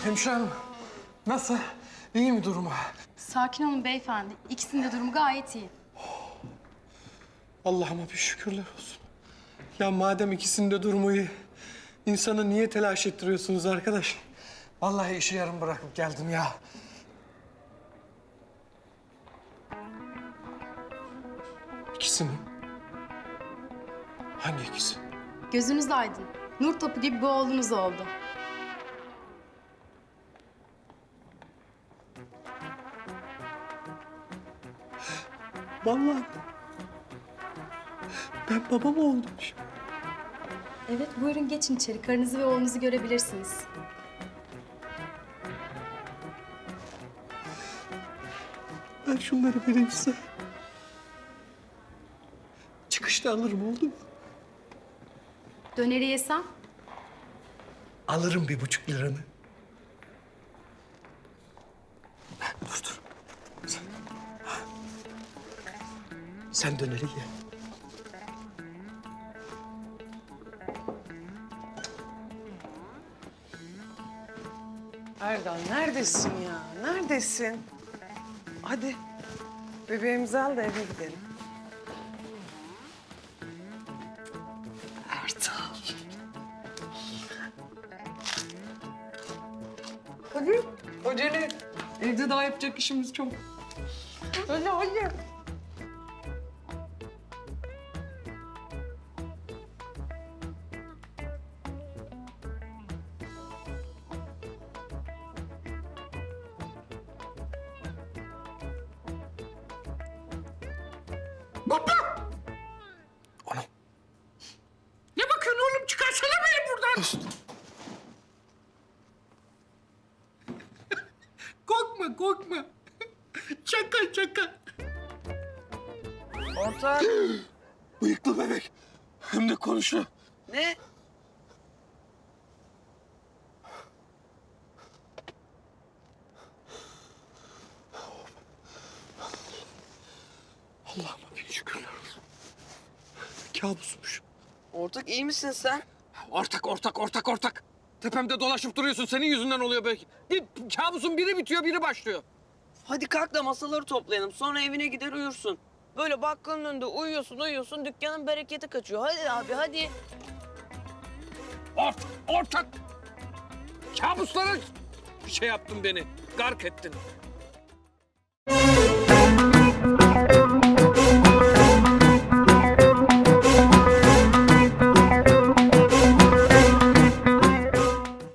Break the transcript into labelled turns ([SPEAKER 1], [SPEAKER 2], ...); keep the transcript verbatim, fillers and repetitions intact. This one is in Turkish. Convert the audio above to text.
[SPEAKER 1] Hemşire hanım, nasıl? İyi mi durumu?
[SPEAKER 2] Sakin olun beyefendi. İkisinin de durumu gayet iyi.
[SPEAKER 1] Allah'ıma bir şükürler olsun. Ya madem ikisinin de durumu iyi, insanı niye telaş ettiriyorsunuz arkadaş? Vallahi işi yarım bırakıp geldim ya. İkisi mi? Hangi ikisi?
[SPEAKER 2] Gözünüz aydın. Nur topu gibi bir oğlunuz oldu.
[SPEAKER 1] Vallahi ben baba mı oldum şimdi?
[SPEAKER 2] Evet, buyurun geçin içeri. Karınızı ve oğlunuzu görebilirsiniz.
[SPEAKER 1] Ben şunları vereyim size. Çıkışta alırım, oldu mu?
[SPEAKER 2] Döneri yesem?
[SPEAKER 1] Alırım bir buçuk liranı. Dur dur. Sen, Sen döneri ye.
[SPEAKER 3] Erdal neredesin ya? Neredesin? Hadi bebeğimizi al da eve gidelim. Erdal. Hadi acele. Evde daha yapacak işimiz çok. Hadi hadi.
[SPEAKER 1] Baba! Anam.
[SPEAKER 3] Ne bakıyorsun oğlum? Çıkarsana beni buradan.
[SPEAKER 1] Korkma, korkma. Şaka, şaka.
[SPEAKER 3] Ortak.
[SPEAKER 1] Bıyıklı bebek. Hem de konuşuyor.
[SPEAKER 3] Ne?
[SPEAKER 1] Allah'ıma bin şükürler olsun. Kabusmuş.
[SPEAKER 3] Ortak iyi misin sen?
[SPEAKER 4] Ortak, ortak, ortak, ortak. Tepemde dolaşıp duruyorsun. Senin yüzünden oluyor belki. Bir kabusun biri bitiyor, biri başlıyor.
[SPEAKER 5] Hadi kalk da masaları toplayalım. Sonra evine gider uyursun. Böyle bakkalın önünde uyuyorsun uyuyorsun dükkanın bereketi kaçıyor. Hadi abi hadi.
[SPEAKER 4] Ortak, ortak. Kabuslara şey yaptın beni. Gark ettin.